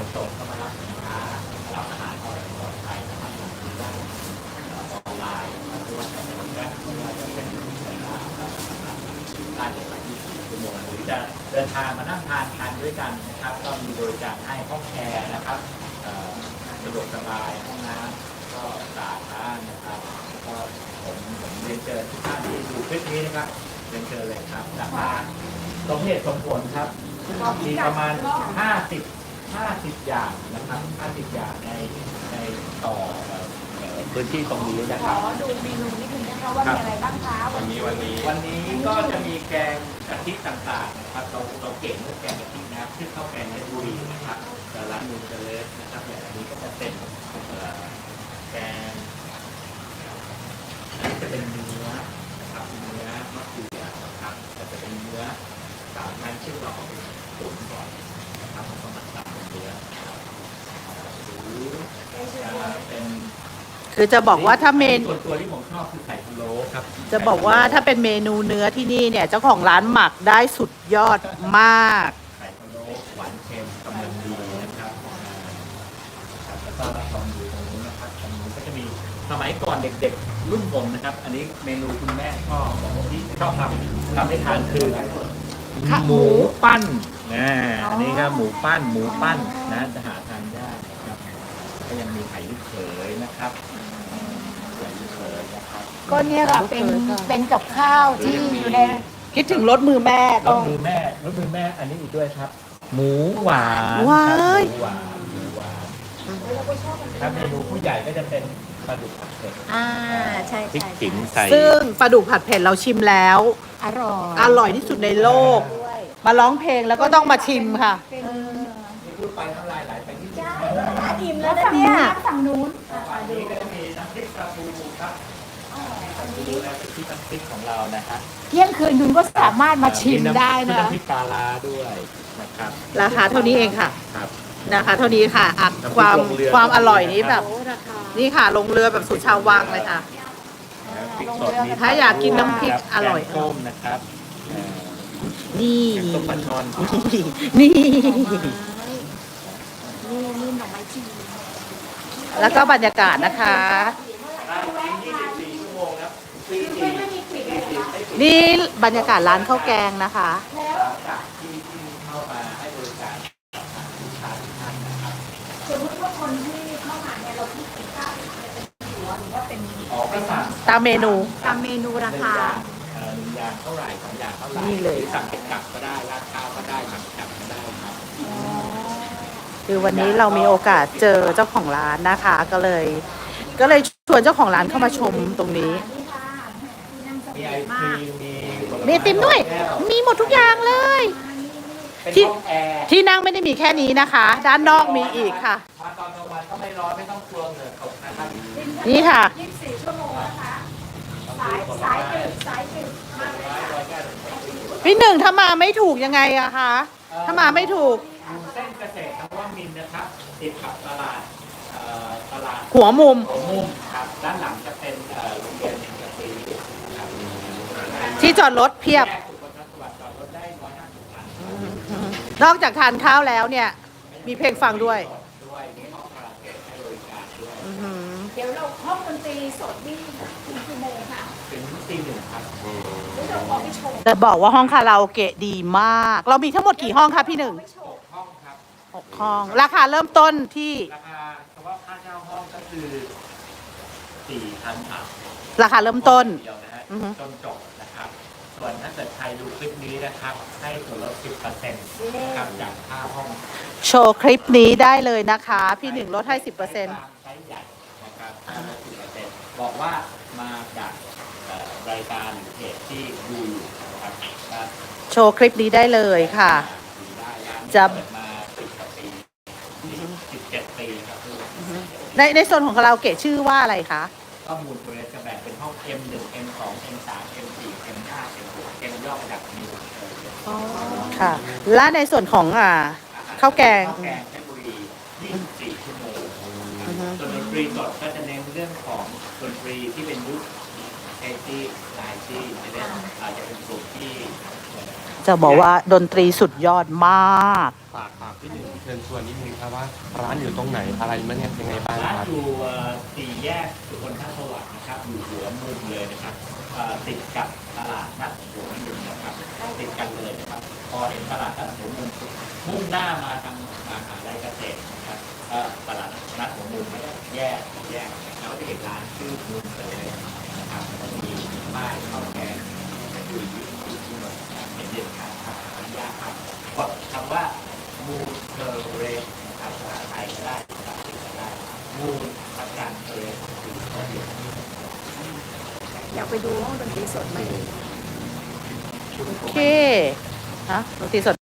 ส่งเข้ามารับสินค้ารับอาหารปลอดภัยนะครับคือได้ออนไลน์ไม่ว่าจะเป็นการไม่ว่าจะเป็นได้ใน24 ชั่วโมงหรือจะเดินทางมานั่งทานด้วยกันนะครับก็มีบริการให้ห้องแชร์นะครับสะดวกสบายห้องน้ำก็สะอาดบ้านนะครับก็ผมเรียนเชิญทุกท่านที่ดูคลิปนี้นะครับเรียนเชิญเลยครับราคาสมเหตุสมผลครับมีประมาณ50อย่างนะครับ50อย่างในต่อพื้นที่ตรงนี้นะขครัอบ ดูเมนูนิดนึงนะคะว่ามีอะไรบ้างคะวันนี้ก็จะมีแกงกะทิต่างๆนะครับเราเก่งเรื่องแกงกะทินะครับชื่อข้าวแกงเพชรบุรีนะครับแต่ร้านนูนเจริญนะครับอย่างอันนี้ก็จะเป็นแกงอันนี้จะเป็นเนื้อนะครับเนื้อมะเขือนะครับแต่จะเป็นเนื้อ3 ชั้นซึ่งเราเอาไปตุ๋นก่อนนะครับแล้วก็มาตัดเป็นเนื้อหรือเป็นคือจะบอกว่าถ้าเมนูส่วนตัวที่ผมชอบคือไข่พะโล้ครับจะบอกว่าถ้าเป็นเมนูเนื้อที่นี่เนี่ยเจ้าของร้านหมักได้สุดยอดมากไข่พะโล้หวานเค็มกำลังดีนะครับแล้วก็รับรองดูตรงนี้นะครับตรงนี้ก็จะมีสมัยก่อนเด็กๆรุ่นผมนะครับอันนี้เมนูคุณแม่ชอบที่ชอบทำให้ทานคือหมูปั้นอันนี้ก็หมูปั้นนะจะหาทานได้นะครับก็ยังมีไข่ลูกเขยนะครับไข่ลูกเขยนะครับก็เนี่ยค่ะเป็นกับข้าวที่อยู่ในคิดถึงรสมือแม่รก็สมือแม่อันนี้อีกด้วยครับ หมูหวานว้ายหมูหวานถ้าเมนูผู้ใหญ่ก็จะเป็นปลาดุกผัดเผ็ดใช่พริกใช่ขิงใส่ซึ่งปลาดุกผัดเผ็ดเราชิมแล้วอร่อยอร่อยที่สุดในโลก มาร้องเพลงแล้วก็ต้องมาชิมค่ะนี่พูดไปน้ำลายไหลไปที่นี่อิ่มแล้วนะเนี่ยฝั่งนู้นอันนี้ก็จะมีน้ำพริกปลาทูครับดูแลที่น้ำพริกของเรานะฮะเที่ยงคืนคุณก็สามารถมาชิมได้นะน้ำพริกปลาร้าด้วยนะครับราคาเท่านี้เองค่ะครับนะคะเท่านี้ค่ะอ่ะน้ำพริกความลงเรือความอร่อยนี้แบบโอ้ราคานี่ค่ะลงเรือแบบสุดชาววังเลยค่ะพริกสดมีถ้าอยากกินน้ำพริกอร่อยแกงส้มนะครับเอ่อนี่แกงส้มปลาช่อนนี่นี่หน่อไม้จีนแล้วก็บรรยากาศนะคะ 24 ชั่วโมงครับฟรีไม่มีปิดเลยเหรอคะนี่บรรยากาศร้านข้าวแกงนะคะจากที่เข้ามาให้บริการกับทางลูกค้าทุกท่านนะครับสมมติว่าคนที่เข้ามาเนี่ยเราคิดเป็นข้าวเป็นหัวหรือว่าเป็นออกไปสั่งตามเมนูตามเมนูราคา 1 อย่างเท่าไหร่2 อย่างเท่าไหร่นี่เลยหรือสั่งเป็นกลับก็ได้ราดข้าวก็ได้หมักกลับก็ได้ครับคือวันนี้เรามีโอกาสเจอเจ้าของร้านนะคะ ก็เลยชวนเจ้าของร้านเข้ามาชมตรงนี้มีไอศครีมมีไอติมด้วย มีหมดทุกอย่างเลยเป็นที่ห้องแอร์ที่นั่งไม่ได้มีแค่นี้นะคะ ด้านนอกมีอีกค่ะมาตอนกลางวันก็ไม่ร้อนไม่ต้องกลัวเหงื่อตกนะครับนี่ค่ะ 24 ชั่วโมงนะคะ สายดึกมาเลยค่ะพี่หนึ่งถ้ามาไม่ถูกยังไงอะคะ ถ้ามาไม่ถูกอยู่เส้นเกษตรนวมินทร์นะครับติดกับตลาดหัวมุมหัวมุมครับด้านหลังจะเป็นโรงเรียนอินเตอร์ซีครับที่จอดรถเพียบแยกสุขภาพสวัสดิ์จอดรถได้150 คันนอกจากทานข้าวแล้วเนี่ย มีเพลงฟังด้วยด้วยมีห้องคาราโอเกะให้บริการด้วยอื้อหือเดี๋ยวเราห้องดนตรีสดนี่กี่ชั่วโมงคะถึงตี 1ครับหรือเราขอไปชมแต่บอกว่าห้องคาราโอเกะดีมาก เรามีทั้งหมดกี่ห้องคะพี่หนึ่ง 6 ห้องครับ 6 ห้อง ราคาเริ่มต้นที่ราคาเฉพาะค่าเช่าห้องก็คือ 4,000 บาทราคาเริ่มต้นเดียวนะฮะอือฮึจนจบนะครับ ส่วนถ้าเกิดใครดูคลิปนี้นะครับ ให้ส่วนลด 10%นะครับจากค่าห้องโชว์คลิปนี้ได้เลยนะคะ พี่หนึ่งลดให้ 10% ไซส์ใหญ่นะครับค่าลด 10%บอกว่ามาจากรายการหรือเพจที่ดูอยู่นะครับก็โชว์คลิปนี้ได้เลยค่ะดูได้ร้านจะเปิดมา10 กว่าปี17 ปีครับในส่วนของคาราโอเกะชื่อว่าอะไรคะข้อมูลตัวนี้จะแบ่งเป็นห้อง M1 M2 M3 M4 M5 M6 M ย่อมาจากนิวค่ะ และในส่วนของข้าวแกงข้าวแกงเพชรบุรี24 ชั่วโมงอือฮึส่วนดนตรีสดก็จะเน้นเรื่องของดนตรีที่เป็นยุคเอซี่ไนซี่เนี่ยอาจจะเป็นกลุ่มที่จะบอกว่าดนตรีสุดยอดมากฝากพี่หนึ่งเชิญชวนนิดนึงครับว่าร้านอยู่ตรงไหนอะไรมันยังไงบ้างร้านครับอยู่สี่แยกสุขนทสวัสดิ์นะครับอยู่หัวมุมเลยนะครับติดกับตลาดนัดหัวมุมนะครับติดกันเลยนะครับพอเห็นตลาดนัดหัวมุมมุ่งหน้ามาทางมหาลัยเกษตรนะครับตลาดนัดหัวมุมไม่ได้แยกแล้วจะเห็นร้านชื่อมุมเลยนะครับมีป้ายข้าวแกงอยู่ที่หมดเป็นเด็ดขาดครับอนุญาตครับกดคำว่ามูเทอร์เรสนะครับภาษาไทยก็ได้ภาษาอังกฤษก็ได้มูประกันเทอร์เรสคือเขาเรียกอยากไปดูห้องดนตรีสดไหมโอเคฮะดนตรีสด